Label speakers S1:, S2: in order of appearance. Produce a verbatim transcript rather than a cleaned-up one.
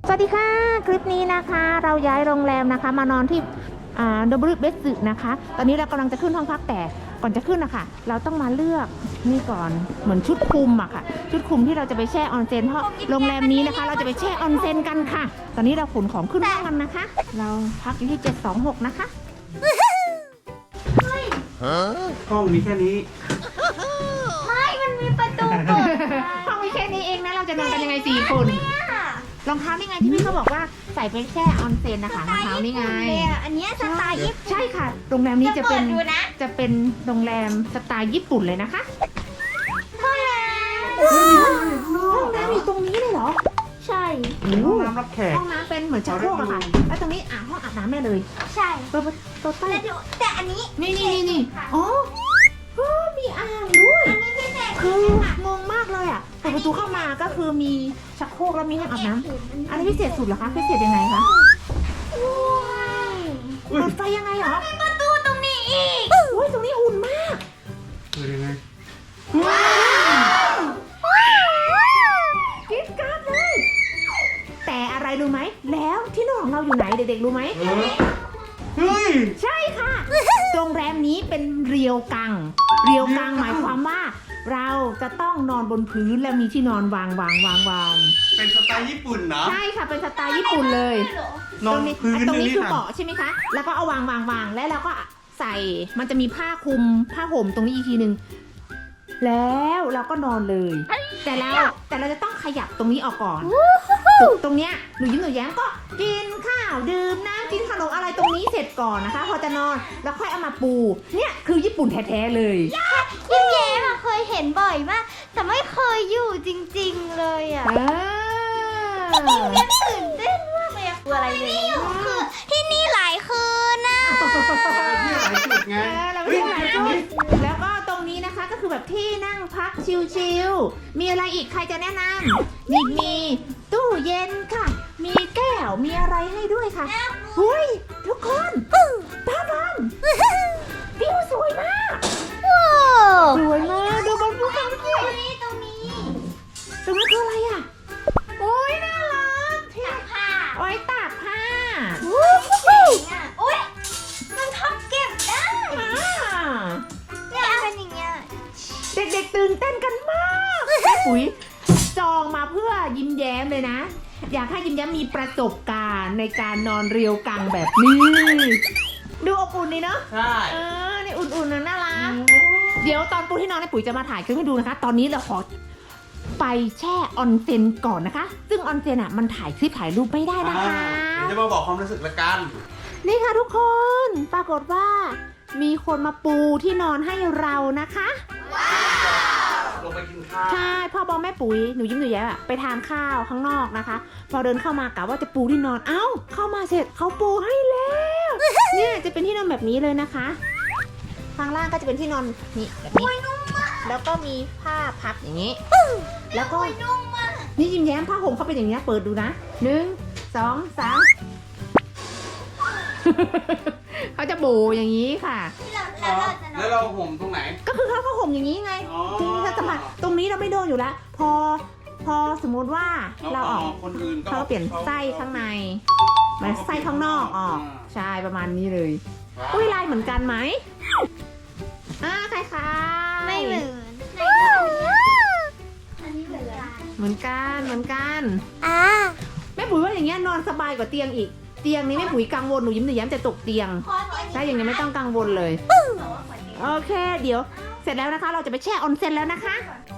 S1: สวัสดีค่ะคลิปนี้นะคะเราย้ายโรงแรมนะคะมานอนที่ดับเบิลเบสสึนะคะตอนนี้เรากำลังจะขึ้นห้องพักแต่ก่อนจะขึ้นนะคะเราต้องมาเลือกนี่ก่อนเหมือนชุดคลุมอะค่ะชุดคลุมที่เราจะไปแช่ออนเซ็นเพราะโรงแรมนี้นะคะเราจะไปแช่ออนเซ็นกันค่ะตอนนี้เราขนของขึ้นห้องกันนะคะเราพักอยู่ที่เจ็ดสองหกนะคะ
S2: ห้องมีแค่นี้
S3: ไม่มันมีประตูเปิด
S1: ห้องมีแค่นี้เองนะเราจะนอนกันยังไงสี่คนรองเท้านี่ไงที่พี่เขาบอกว่าใส่ไปแช่ออนเซ็นนะคะรองเท้านี่ไง
S3: อันนี้สไตล์ญี่ปุ่น
S1: ใช่ค่ะโรงแรมนี้จะเป็น
S3: ดูนะ
S1: จะเป็นโรงแรมสไตล์ญี่ปุ่นเลยนะคะ
S3: ห้องน้
S1: ห้องน้ำอยู่ตรงนี้เลยเหรอ
S3: ำใช่
S2: ห้องน้ำรับแขก
S1: ห้องน้ำเป็นเหมือนชักโครกอะค่ะแล้วตรงนี้อ่ะห้องอาบน้ำแม่เลย
S3: ใช่
S1: เปิดประตูใต้
S3: แต่ดูแต่อันนี้
S1: นี่นี่นี่นี่อ๋อโอ้มีอ่างด้วย
S3: อันนี้พิเศษ
S1: คืองงมากเลยอ่ะเปิดประตูเข้ามาก็คือมีชักโครกแล้วมีห้องอาบน้ำอันนี้พิเศษสุดเหรอคะพิเศษยังไงคะเปิดไฟยังไงเหรอ
S3: มีประตูตรงนี้อีก
S1: โอ้ยตรงนี้อุ่นมาก
S2: คือยังไง
S1: ว้าวกิ๊บกัดเลย แต่อะไรรู้ไหมแล้วที่นอนของเราอยู่ไหนเด็กๆรู้ไหม
S2: เฮ้ย
S1: ใช่ค่ะ โรงแรมนี้เป็นเรียวกัง เรียวกังหมายความว่า เราจะต้องนอนบนพื้นแล้วมีที่นอนวางวางวางวาง
S2: เป็นสไตล์ญี่ปุ่นนะ
S1: ใช่ค่ะเป็นสไตล์ญี่ปุ่นเลย
S2: นอนพื้น
S1: ตรงนี้
S2: นี่
S1: คือ
S2: ค่ะ
S1: เบาะใช่ไหมคะ แล้วก็เอาวางวางวางแล้วเราก็ใส่มันจะมีผ้าคลุมผ้าห่มตรงนี้อีกทีหนึ่งแล้วเราก็นอนเลย แต่เราแต่เราจะต้องขยับตรงนี้ออกก่อนตรงเนี้ยหนูยิ้มหนูแย้มก็กินข้าวดื่มน้ำกินขนมอะไรตรงนี้เสร็จก่อนนะคะ พอจะนอนแล้วค่อยเอามาปูเนี่ยคือญี่ปุ่นแท้ๆเลย
S3: ยิ้มแย้มอะเคยเห็นบ่อยมากแต่ไม่เคยอยู่จริงๆเลยอะ
S1: เออ
S3: ยังตื่นเต้นมากเลยอะคืออะไรเลยคือที่นี่หลายคืนน่ะ
S2: ที่หลายจุดไง
S1: เออเราไม่ได้หลายจุดแล้วก็ตรงนี้นะคะก็คือแบบที่นั่งพักชิลๆมีอะไรอีกใครจะแนะนำมีมีตู้เย็นค่ะ มีแก้วมีอะไรให้ด้วยค่ะเฮ้ยทุกคนตาบังวิวสวยมาก
S3: ว้าว
S1: สวยมากดูบนภูเขาสิ
S3: ตรงนี้ตรงนี้
S1: ตรงนั้นคืออะไรอ่ะโอ้ยน่ารักที่
S3: ตากผ้า
S1: โอ้ยตากผ้า
S3: วู้ฮู้อุ้ยมันทำเก็บได้
S1: อ่า
S3: เนี่ยเป็นอย่างเงี้ย
S1: เด็กๆตื่นเต้นกันมากแม่ปุ๋ยจองมาเพื่อยิ้มแย้มเลยนะ อยากให้ยิ้มแย้มมีประสบการณ์ในการนอนเรียวกังแบบนี้ ดูอบอุ่นดีเนาะ
S2: ใช่
S1: เออนี่อุ่นๆนะน่ารักเดี๋ยวตอนปูที่นอนในปุ๋ยจะมาถ่ายคลิปให้ดูนะคะ ตอนนี้เราขอไปแช่ออนเซ็นก่อนนะคะ ซึ่งออนเซ็นอ่ะมันถ่ายคลิปถ่ายรูปไม่ได้นะคะ
S2: เดี๋ยวจะมาบอกความรู้สึกละกัน
S1: นี่ค่ะทุกคนปรากฏว่ามีคนมาปูที่นอนให้เรานะคะ
S2: ลงไปกินข้าว
S1: ใช่พ่อบอมแม่ปุ๋ยหนูยิ้มหนูแย้มอะไปทานข้าวข้างนอกนะคะ พอเดินเข้ามากะว่าจะปูที่นอนเอ้าเข้ามาเสร็จเขาปูให้แล้วเนี่ยจะเป็นที่นอนแบบนี้เลยนะคะข้างล่างก็จะเป็นที่นอนนี่แบบนี้แล้วก็มีผ้าพับอย่างนี้ แล้วก็นี่ยิ้มแย้มผ้าห่มเขาเป็นอย่างนี้นะเปิดดูนะหนึ่งสองสาม เขาจะโบอย่างนี้ค่ะ
S3: แล้วเราจะนอน
S2: แล้วเราห่มตรงไหน
S1: ก็คือเขาก็ห่มอย่างนี้ไง
S2: อ๋อ
S1: คือถ้าจะมาตรงนี้เราไม่โดนอยู่แล้ว พอพอสมมุติว่าเราออก
S2: คนอื่นก็
S1: เขาก็เปลี่ยนไส้ข้างในมาไส้ข้างนอกออกใช่ประมาณนี้เลย อุ้ยลายเหมือนกันไหมอ่าคล้ายๆ
S3: ไม่เหมือนอันนี้เหมือนกัน
S1: เหมือนกันเหมือนกัน
S3: อ่า
S1: แม่ปุ๋ยว่าอย่างเงี้ยนอนสบายกว่าเตียงอีกเตียงนี้แม่ปุ๋ยกังวลหนูยิ้มหนูแย้มจะตกเตียงถ้าอย่างนี้ไม่ต้องกังวลเลยโอเค เดี๋ยวเสร็จแล้วนะคะ เราจะไปแช่ออนเซ็นแล้วนะคะ